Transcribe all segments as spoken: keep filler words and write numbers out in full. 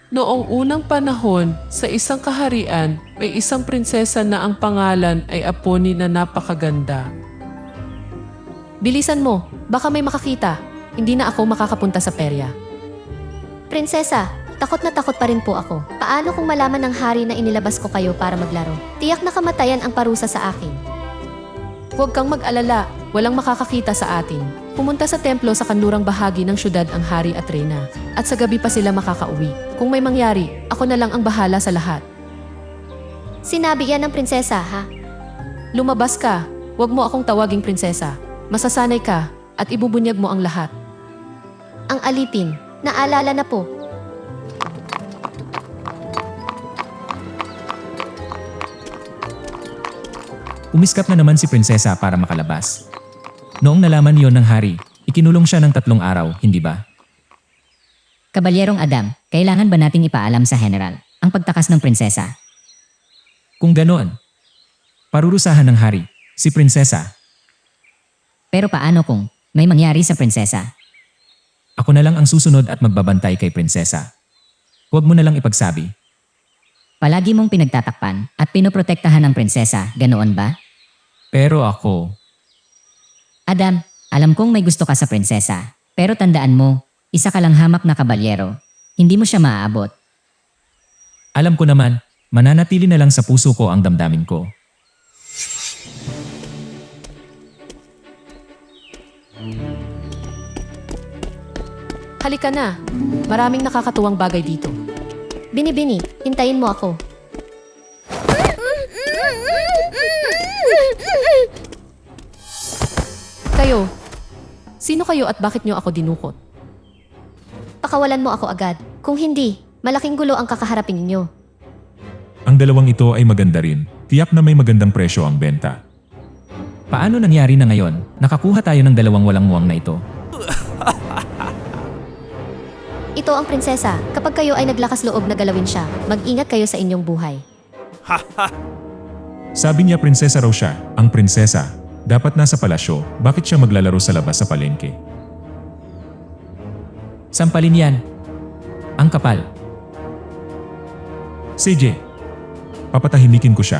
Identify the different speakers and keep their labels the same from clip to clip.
Speaker 1: Noong unang panahon, sa isang kaharian, may isang prinsesa na ang pangalan ay Aponi na napakaganda.
Speaker 2: Bilisan mo, baka may makakita. Hindi na ako makakapunta sa perya.
Speaker 3: Prinsesa, takot na takot pa rin po ako. Paano kung malaman ng hari na inilabas ko kayo para maglaro? Tiyak na kamatayan ang parusa sa akin.
Speaker 2: Huwag kang mag-alala, walang makakakita sa atin. Pumunta sa templo sa kanlurang bahagi ng syudad ang hari at reyna. At sa gabi pa sila makakauwi. Kung may mangyari, ako na lang ang bahala sa lahat.
Speaker 3: Sinabi yan ng prinsesa, ha?
Speaker 2: Lumabas ka, huwag mo akong tawaging prinsesa. Masasanay ka at ibubunyag mo ang lahat.
Speaker 3: Ang alipin, naalala na po.
Speaker 4: Umiskap na naman si prinsesa para makalabas. Noong nalaman niyon ng hari, ikinulong siya ng tatlong araw, hindi ba?
Speaker 5: Kabalyerong Adam, kailangan ba nating ipaalam sa general ang pagtakas ng prinsesa?
Speaker 4: Kung ganoon, parurusahan ng hari, si prinsesa.
Speaker 5: Pero paano kung may mangyari sa prinsesa?
Speaker 4: Ako na lang ang susunod at magbabantay kay prinsesa. Huwag mo na lang ipagsabi.
Speaker 5: Palagi mong pinagtatakpan at pinoprotektahan ng prinsesa, ganoon ba?
Speaker 4: Pero ako,
Speaker 5: Adam, alam kong may gusto ka sa prinsesa, pero tandaan mo, isa ka lang hamak na kabalyero. Hindi mo siya maaabot.
Speaker 4: alam ko naman, mananatili na lang sa puso ko ang damdamin ko.
Speaker 2: Halika na, maraming nakakatuwang bagay dito.
Speaker 3: Bini-bini, hintayin mo ako.
Speaker 2: Kayo, sino kayo at bakit nyo ako dinukot?
Speaker 3: Pakawalan mo ako agad. Kung hindi, malaking gulo ang kakaharapin ninyo.
Speaker 6: Ang dalawang ito ay maganda rin. Tiyak na may magandang presyo ang benta.
Speaker 4: Paano nangyari na ngayon? Nakakuha tayo ng dalawang walang muwang na ito.
Speaker 3: Ito ang prinsesa. Kapag kayo ay naglakas loob na galawin siya, mag-ingat kayo sa inyong buhay.
Speaker 6: Sabi niya prinsesa raw siya, ang prinsesa. Dapat nasa palasyo, bakit siya maglalaro sa labas sa palengke?
Speaker 4: Sampalin yan. Ang kapal.
Speaker 6: C J, papatahimikin ko siya.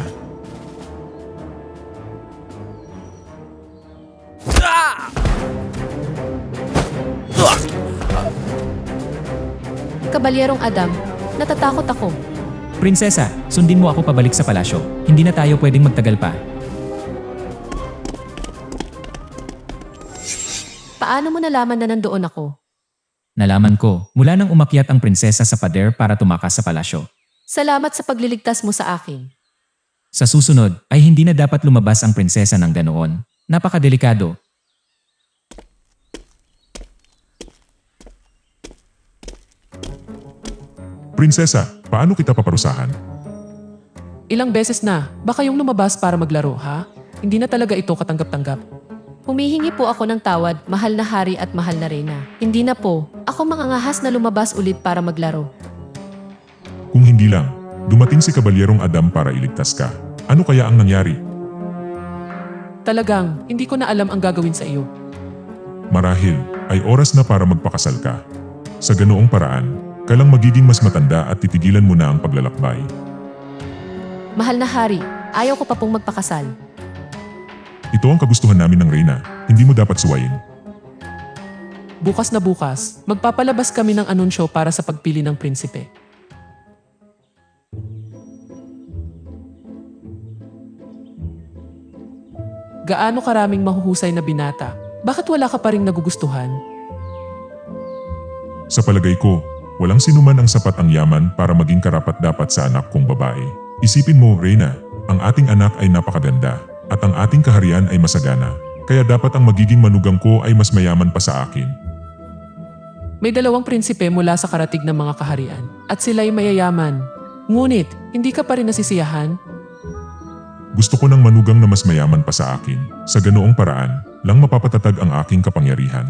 Speaker 2: Kabalyerong Adam, natatakot ako.
Speaker 4: Prinsesa, sundin mo ako pabalik sa palasyo. Hindi na tayo pwedeng magtagal pa.
Speaker 2: Paano mo nalaman na nandoon ako?
Speaker 4: Nalaman ko, mula nang umakyat ang prinsesa sa pader para tumakas sa palasyo.
Speaker 2: Salamat sa pagliligtas mo sa akin.
Speaker 4: Sa susunod, ay hindi na dapat lumabas ang prinsesa ng ganoon. Napakadelikado.
Speaker 6: Prinsesa, paano kita paparusahan?
Speaker 1: Ilang beses na, baka yung lumabas para maglaro, ha? Hindi na talaga ito katanggap-tanggap.
Speaker 2: Humihingi po ako ng tawad, mahal na hari at mahal na reyna. Hindi na po, ako mangangahas na lumabas ulit para maglaro.
Speaker 6: Kung hindi lang, dumating si Kabalyerong Adam para iligtas ka. Ano kaya ang nangyari?
Speaker 1: Talagang, hindi ko na alam ang gagawin sa iyo.
Speaker 6: Marahil, ay oras na para magpakasal ka. Sa ganoong paraan, ka lang magiging mas matanda at titigilan mo na ang paglalakbay.
Speaker 2: Mahal na hari, ayaw ko pa pong magpakasal.
Speaker 6: Ito ang kagustuhan namin ng Reyna, hindi mo dapat suwayin.
Speaker 1: Bukas na bukas, magpapalabas kami ng anunsyo para sa pagpili ng prinsipe. Gaano karaming mahuhusay na binata? Bakit wala ka pa ring nagugustuhan?
Speaker 6: Sa palagay ko, walang sinuman ang sapat ang yaman para maging karapat-dapat sa anak kong babae. Isipin mo, Reyna, ang ating anak ay napakaganda at ang ating kaharian ay masagana. Kaya dapat ang magiging manugang ko ay mas mayaman pa sa akin.
Speaker 1: May dalawang prinsipe mula sa karatig ng mga kaharian at sila'y mayayaman. Ngunit, hindi ka pa rin nasisiyahan?
Speaker 6: Gusto ko ng manugang na mas mayaman pa sa akin. Sa ganoong paraan, lang mapapatatag ang aking kapangyarihan.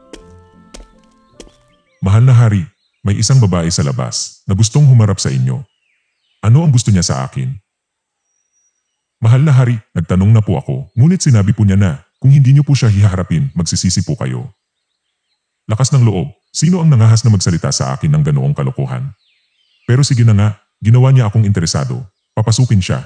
Speaker 6: Mahal na hari, may isang babae sa labas na gustong humarap sa inyo. Ano ang gusto niya sa akin? Mahal na hari, nagtanong na po ako, ngunit sinabi po niya na, kung hindi niyo po siya hiharapin, magsisisi po kayo. Lakas ng loob, sino ang nangahas na magsalita sa akin ng ganoong kalokohan? Pero sige na nga, ginawa niya akong interesado. Papasukin siya.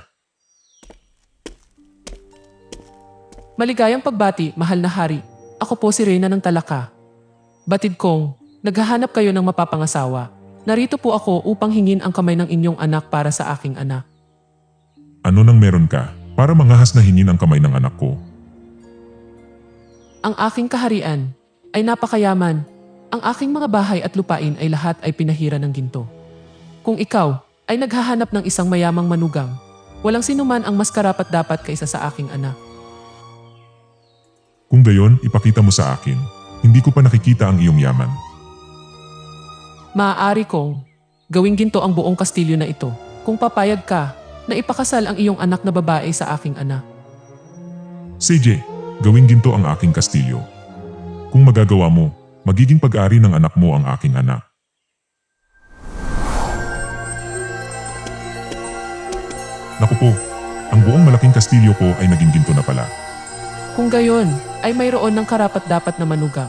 Speaker 1: Maligayang pagbati, mahal na hari. Ako po si Reyna ng Talaka. Batid kong, naghahanap kayo ng mapapangasawa. Narito po ako upang hingin ang kamay ng inyong anak para sa aking anak.
Speaker 6: Ano nang meron ka? Para mangahas na hingin ang kamay ng anak ko.
Speaker 1: Ang aking kaharian ay napakayaman. Ang aking mga bahay at lupain ay lahat ay pinahira ng ginto. Kung ikaw ay naghahanap ng isang mayamang manugang, walang sinuman ang mas karapat-dapat kaysa sa aking anak.
Speaker 6: Kung gayon, ipakita mo sa akin. Hindi ko pa nakikita ang iyong yaman.
Speaker 1: Maaari kong gawing ginto ang buong kastilyo na ito kung papayag ka na ipakasal ang iyong anak na babae sa aking anak.
Speaker 6: C J, gawing ginto ang aking kastilyo. Kung magagawa mo, magiging pag-ari ng anak mo ang aking anak. Naku po, ang buong malaking kastilyo ko ay naging ginto na pala.
Speaker 1: Kung gayon, ay mayroon ng karapat-dapat na manugang.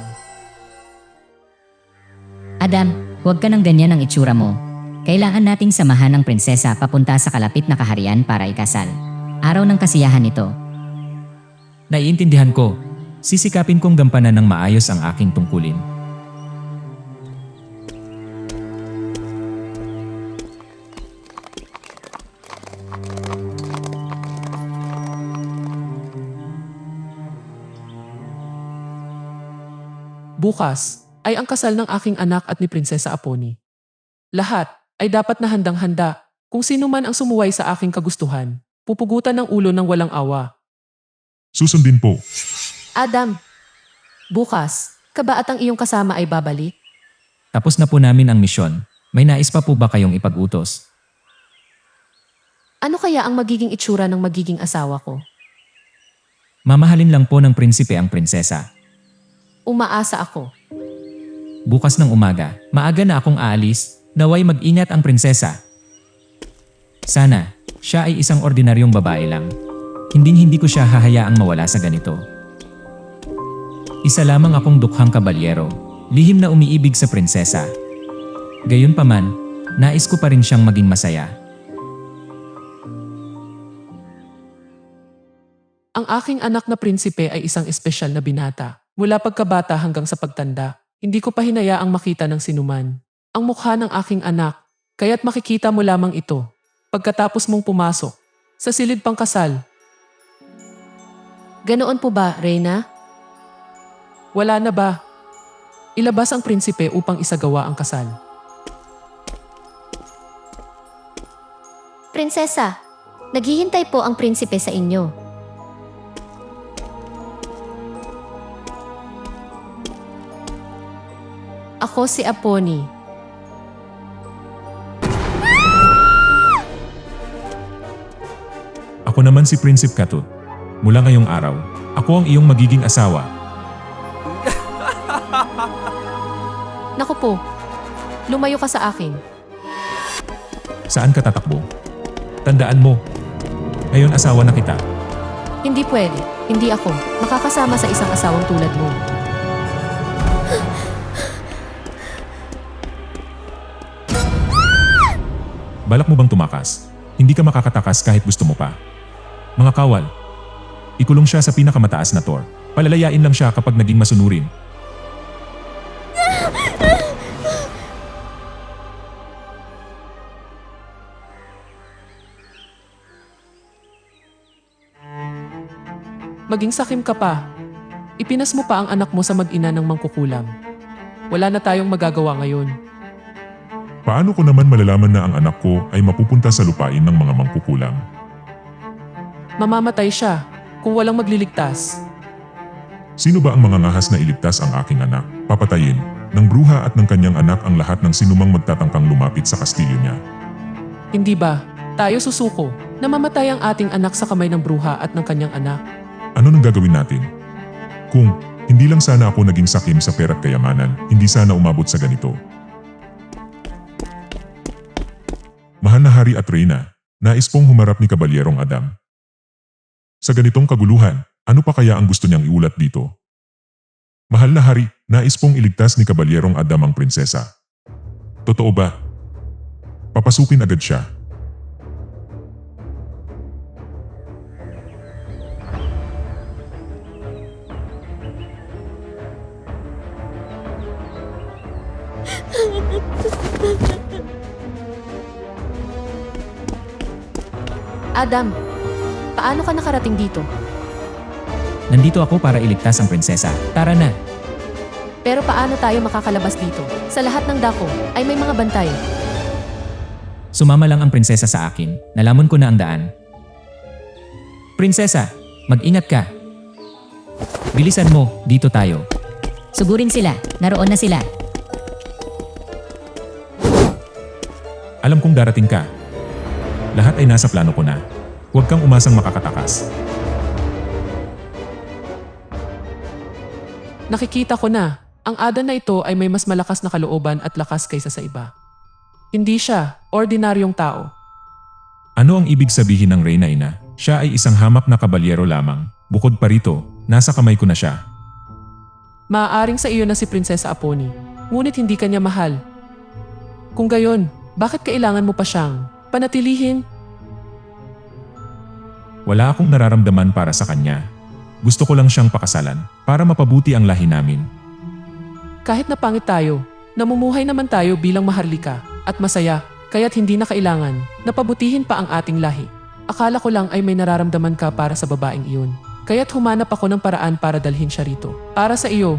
Speaker 5: Adam, huwag ka nang ganyan ang itsura mo. Kailangan nating samahan ng prinsesa papunta sa kalapit na kaharian para ikasal. Araw ng kasiyahan nito.
Speaker 4: Naiintindihan ko. Sisikapin kong gampanan ng maayos ang aking tungkulin.
Speaker 1: Bukas ay ang kasal ng aking anak at ni Prinsesa Aponi. Lahat ay dapat na handang-handa. Kung sino man ang sumuway sa aking kagustuhan, pupugutan ng ulo ng walang awa.
Speaker 6: Susundin po.
Speaker 2: Adam, bukas, ka ba at ang iyong kasama ay babalik?
Speaker 4: Tapos na po namin ang misyon. May nais pa po ba kayong ipag-utos?
Speaker 2: Ano kaya ang magiging itsura ng magiging asawa ko?
Speaker 4: Mamahalin lang po ng prinsipe ang prinsesa.
Speaker 2: Umaasa ako.
Speaker 4: Bukas ng umaga, maaga na akong aalis, naway mag-ingat ang prinsesa. Sana, siya ay isang ordinaryong babae lang. Hinding-hindi ko siya hahayaang mawala sa ganito. Isa lamang akong dukhang kabalyero, lihim na umiibig sa prinsesa. Gayunpaman, nais ko pa rin siyang maging masaya.
Speaker 1: Ang aking anak na prinsipe ay isang espesyal na binata. Mula pagkabata hanggang sa pagtanda, hindi ko pa hinayaang makita ng sinuman ang mukha ng aking anak, kaya't makikita mo lamang ito pagkatapos mong pumasok sa silid pang kasal.
Speaker 2: Ganoon po ba, Reyna?
Speaker 1: Wala na ba? Ilabas ang prinsipe upang isagawa ang kasal.
Speaker 3: Prinsesa, naghihintay po ang prinsipe sa inyo.
Speaker 2: Ako si Aponi.
Speaker 6: Ako naman si Prinsip Katut. Mula ngayong araw, ako ang iyong magiging asawa.
Speaker 2: Naku po, lumayo ka sa akin.
Speaker 6: Saan ka tatakbo? Tandaan mo, ngayon asawa na kita.
Speaker 2: Hindi pwede, hindi ako makakasama sa isang asawang tulad mo.
Speaker 6: Balak mo bang tumakas? Hindi ka makakatakas kahit gusto mo pa. Mga kawal, ikulong siya sa pinakamataas na tor. Palalayain lang siya kapag naging masunurin.
Speaker 1: Maging sakim ka pa. Ipinas mo pa ang anak mo sa mag-ina ng mangkukulam. Wala na tayong magagawa ngayon.
Speaker 6: Paano ko naman malalaman na ang anak ko ay mapupunta sa lupain ng mga mangkukulam?
Speaker 1: Mamamatay siya kung walang magliligtas.
Speaker 6: Sino ba ang mga ngahas na iligtas ang aking anak? Papatayin ng bruha at ng kanyang anak ang lahat ng sinumang magtatangkang lumapit sa kastilyo niya.
Speaker 1: Hindi ba tayo susuko na mamatay ang ating anak sa kamay ng bruha at ng kanyang anak?
Speaker 6: Ano nang gagawin natin? Kung hindi lang sana ako naging sakim sa pera't kayamanan, hindi sana umabot sa ganito. Mahal na Hari at Reyna, nais pong humarap ni Kabalyerong Adam. Sa ganitong kaguluhan, ano pa kaya ang gusto niyang iulat dito? Mahal na Hari, nais pong iligtas ni Kabalyerong Adam ang prinsesa. Totoo ba? papasukin agad siya.
Speaker 2: Adam, paano ka nakarating dito?
Speaker 4: Nandito ako para iligtas ang prinsesa. Tara na.
Speaker 2: Pero paano tayo makakalabas dito? Sa lahat ng dako ay may mga bantay.
Speaker 4: Sumama lang ang prinsesa sa akin. Nalamon ko na ang daan. Prinsesa, mag-ingat ka. Bilisan mo, dito tayo.
Speaker 5: Sugurin sila. Naroon na sila.
Speaker 6: Alam kong darating ka. Lahat ay nasa plano ko na. Huwag kang umasang makakatakas.
Speaker 1: Nakikita ko na, ang Adan na ito ay may mas malakas na kalooban at lakas kaysa sa iba. Hindi siya, ordinaryong tao.
Speaker 6: Ano ang ibig sabihin ng Reyna Ina? Siya ay isang hamak na kabalyero lamang. Bukod pa rito, nasa kamay ko na siya.
Speaker 1: Maaaring sa iyo na si Prinsesa Aponi, ngunit hindi kanya mahal. Kung gayon, bakit kailangan mo pa siyang panatilihin?
Speaker 6: Wala akong nararamdaman para sa kanya. Gusto ko lang siyang pakasalan para mapabuti ang lahi namin.
Speaker 1: Kahit na pangit tayo, namumuhay naman tayo bilang maharlika at masaya, kaya't hindi na kailangan na pabutihin pa ang ating lahi. Akala ko lang ay may nararamdaman ka para sa babaeng iyon. Kaya't humanap ako ng paraan para dalhin siya rito. Para sa iyo.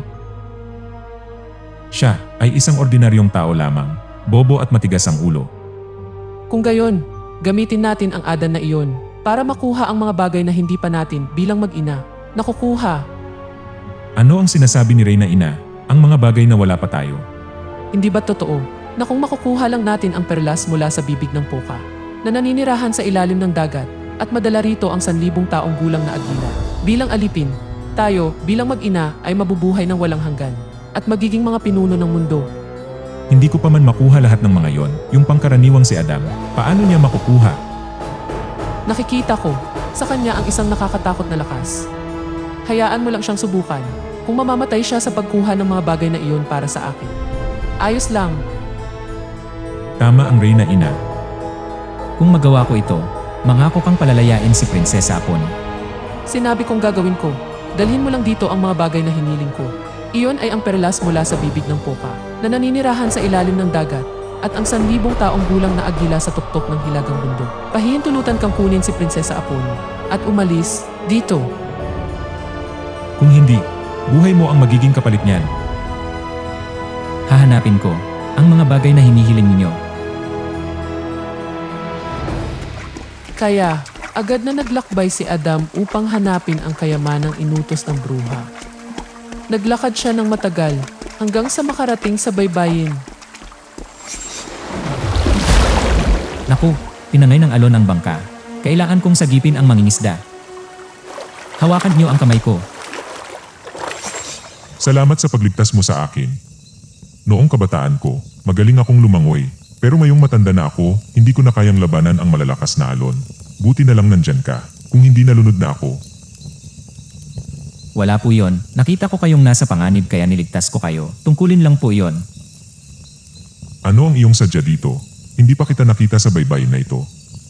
Speaker 6: Siya ay isang ordinaryong tao lamang. Bobo at matigas ang ulo.
Speaker 1: Kung gayon, gamitin natin ang Adan na iyon para makuha ang mga bagay na hindi pa natin bilang mag-ina nakukuha.
Speaker 6: Ano ang sinasabi ni Reyna Ina? Ang mga bagay na wala pa tayo.
Speaker 1: Hindi ba totoo na kung makukuha lang natin ang perlas mula sa bibig ng puka na naninirahan sa ilalim ng dagat at madala rito ang sanlibong taong gulang na agila? Bilang alipin, tayo bilang mag-ina ay mabubuhay ng walang hanggan at magiging mga pinuno ng mundo.
Speaker 6: Hindi ko pa man makuha lahat ng mga yon. Yung pangkaraniwang si Adam, paano niya makukuha?
Speaker 1: Nakikita ko sa kanya ang isang nakakatakot na lakas. Hayaan mo lang siyang subukan kung mamamatay siya sa pagkuha ng mga bagay na iyon para sa akin. Ayos lang.
Speaker 6: Tama ang Reyna Ina.
Speaker 4: Kung magawa ko ito, mangako kang palalayain si Prinsesa Aponi.
Speaker 1: Sinabi kong gagawin ko. Dalhin mo lang dito ang mga bagay na hiniling ko. Iyon ay ang perlas mula sa bibig ng puka na naninirahan sa ilalim ng dagat at ang sanlibong taong gulang na agila sa tuktok ng hilagang bundok. Pahihintulutan kang kunin si Prinsesa Aponi at umalis dito.
Speaker 6: Kung hindi, buhay mo ang magiging kapalit niyan.
Speaker 4: Hahanapin ko ang mga bagay na hinihiling ninyo.
Speaker 1: Kaya, agad na naglakbay si Adam upang hanapin ang kayamanang inutos ng bruha. Naglakad siya ng matagal hanggang sa makarating sa baybayin.
Speaker 4: Naku, tinangay ng alon ang bangka. Kailangan kong sagipin ang mangingisda. Hawakan niyo ang kamay ko.
Speaker 6: Salamat sa pagligtas mo sa akin. Noong kabataan ko, magaling akong lumangoy. Pero ngayong matanda na ako, hindi ko na kayang labanan ang malalakas na alon. Buti na lang nandyan ka, kung hindi nalunod na ako.
Speaker 4: Wala po yon. Nakita ko kayong nasa panganib kaya niligtas ko kayo. Tungkulin lang po yon.
Speaker 6: Ano ang iyong sadya dito? Hindi pa kita nakita sa baybayin na ito.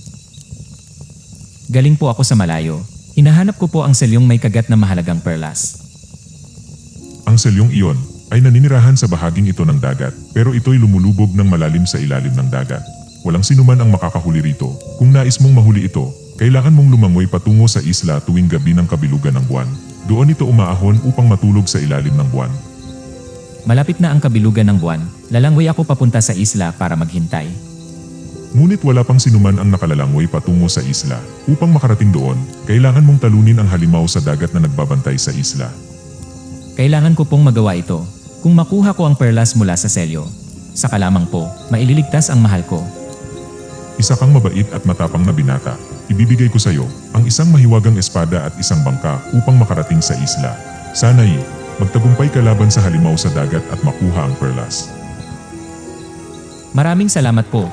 Speaker 4: Galing po ako sa malayo. Hinahanap ko po ang selyong may kagat na mahalagang perlas.
Speaker 6: Ang selyong iyon ay naninirahan sa bahaging ito ng dagat, pero ito'y lumulubog ng malalim sa ilalim ng dagat. Walang sinuman ang makakahuli rito. Kung nais mong mahuli ito, kailangan mong lumangoy patungo sa isla tuwing gabi ng kabilugan ng buwan. Doon ito umaahon upang matulog sa ilalim ng buwan.
Speaker 4: Malapit na ang kabilugan ng buwan. Lalangway ako papunta sa isla para maghintay.
Speaker 6: Ngunit wala pang sinuman ang nakalalangoy patungo sa isla. Upang makarating doon, kailangan mong talunin ang halimaw sa dagat na nagbabantay sa isla.
Speaker 4: Kailangan ko pong magawa ito. Kung makuha ko ang perlas mula sa selyo, saka lamang po, maililigtas ang mahal ko.
Speaker 6: Isa kang mabait at matapang na binata. Ibibigay ko sa iyo ang isang mahiwagang espada at isang bangka upang makarating sa isla. Sana'y magtagumpay ka laban sa halimaw sa dagat at makuha ang perlas.
Speaker 4: Maraming salamat po.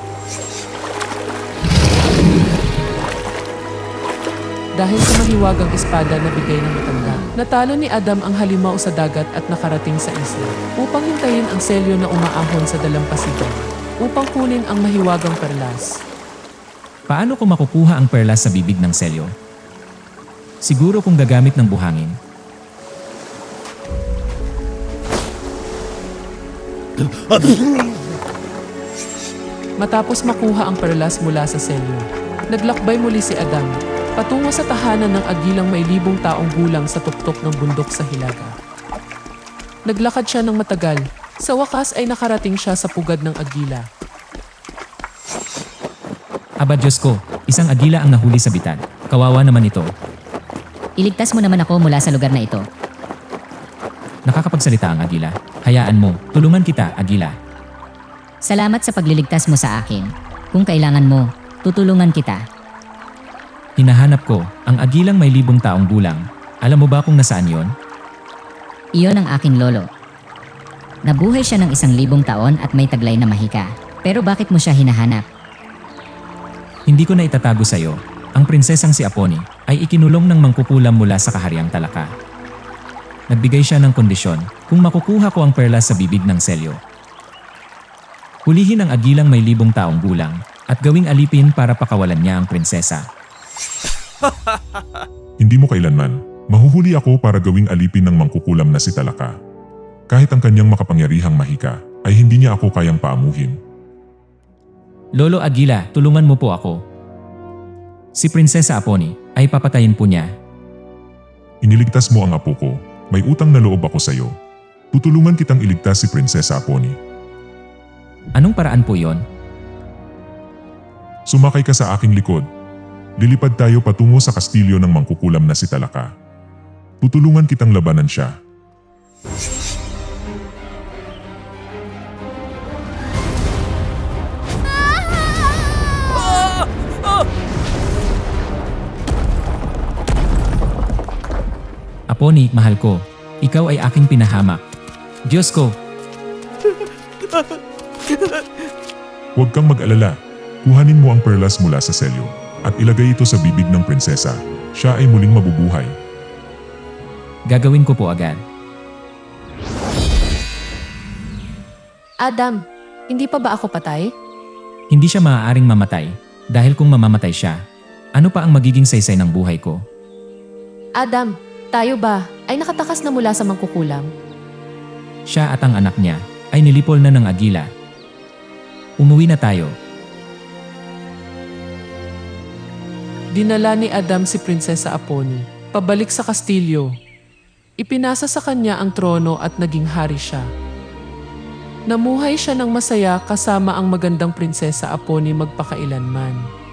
Speaker 1: Dahil sa mahiwagang espada na bigay ng matanda, natalo ni Adam ang halimaw sa dagat at nakarating sa isla upang hintayin ang selyo na umaahon sa dalampasigan. upang kunin ang mahiwagang perlas.
Speaker 4: Paano ko makukuha ang perlas sa bibig ng selyo? Siguro kung gagamit ng buhangin.
Speaker 1: Matapos makuha ang perlas mula sa selyo, naglakbay muli si Adam patungo sa tahanan ng agilang may libong taong gulang sa tuktok ng bundok sa Hilaga. Naglakad siya ng matagal. Sa wakas ay nakarating siya sa pugad ng agila.
Speaker 4: Aba Diyos ko, isang agila ang nahuli sa bitan. Kawawa naman ito.
Speaker 5: Iligtas mo naman ako mula sa lugar na ito.
Speaker 4: Nakakapagsalita ang agila. Hayaan mo, tulungan kita, agila.
Speaker 5: Salamat sa pagliligtas mo sa akin. Kung kailangan mo, tutulungan kita.
Speaker 4: Hinahanap ko, ang agilang may libong taong gulang. Alam mo ba kung nasaan yon?
Speaker 5: Iyon ang aking lolo. Nabuhay siya ng isang libong taon at may taglay na mahika. Pero bakit mo siya hinahanap?
Speaker 4: Hindi ko na itatago sa iyo. Ang prinsesang si Aponi ay ikinulong ng mangkukulam mula sa kahariang Talaka. Nagbigay siya ng kondisyon kung makukuha ko ang perlas sa bibig ng selyo. Hulihin ang agilang may libong taong gulang at gawing alipin para pakawalan niya ang prinsesa.
Speaker 6: Hindi mo kailanman. Mahuhuli ako para gawing alipin ng mangkukulam na si Talaka. Kahit ang kanyang makapangyarihang mahika, ay hindi niya ako kayang paamuhin.
Speaker 4: Lolo Agila, tulungan mo po ako. Si Prinsesa Aponi ay papatayin po niya.
Speaker 6: Iniligtas mo ang apo ko. May utang na loob ako sa iyo. Tutulungan kitang iligtas si Prinsesa Aponi.
Speaker 4: Anong paraan po yon?
Speaker 6: Sumakay ka sa aking likod. Lilipad tayo patungo sa kastilyo ng mangkukulam na si Talaka. Tutulungan kitang labanan siya.
Speaker 4: Aponi, mahal ko. Ikaw ay aking pinahamak. Diyos ko,
Speaker 6: Huwag kang mag-alala. Kuhanin mo ang perlas mula sa selyo at ilagay ito sa bibig ng prinsesa. Siya ay muling mabubuhay.
Speaker 4: gagawin ko po agad.
Speaker 2: Adam, hindi pa ba ako patay?
Speaker 4: Hindi siya maaaring mamatay dahil kung mamamatay siya, ano pa ang magiging saysay ng buhay ko?
Speaker 2: Adam, tayo ba ay nakatakas na mula sa mangkukulam?
Speaker 4: Siya at ang anak niya ay nilipol na ng agila. Umuwi na tayo.
Speaker 1: Dinala ni Adam si Prinsesa Aponi pabalik sa kastilyo. Ipinasa sa kanya ang trono at naging hari siya. Namuhay siya ng masaya kasama ang magandang Prinsesa Aponi magpakailanman.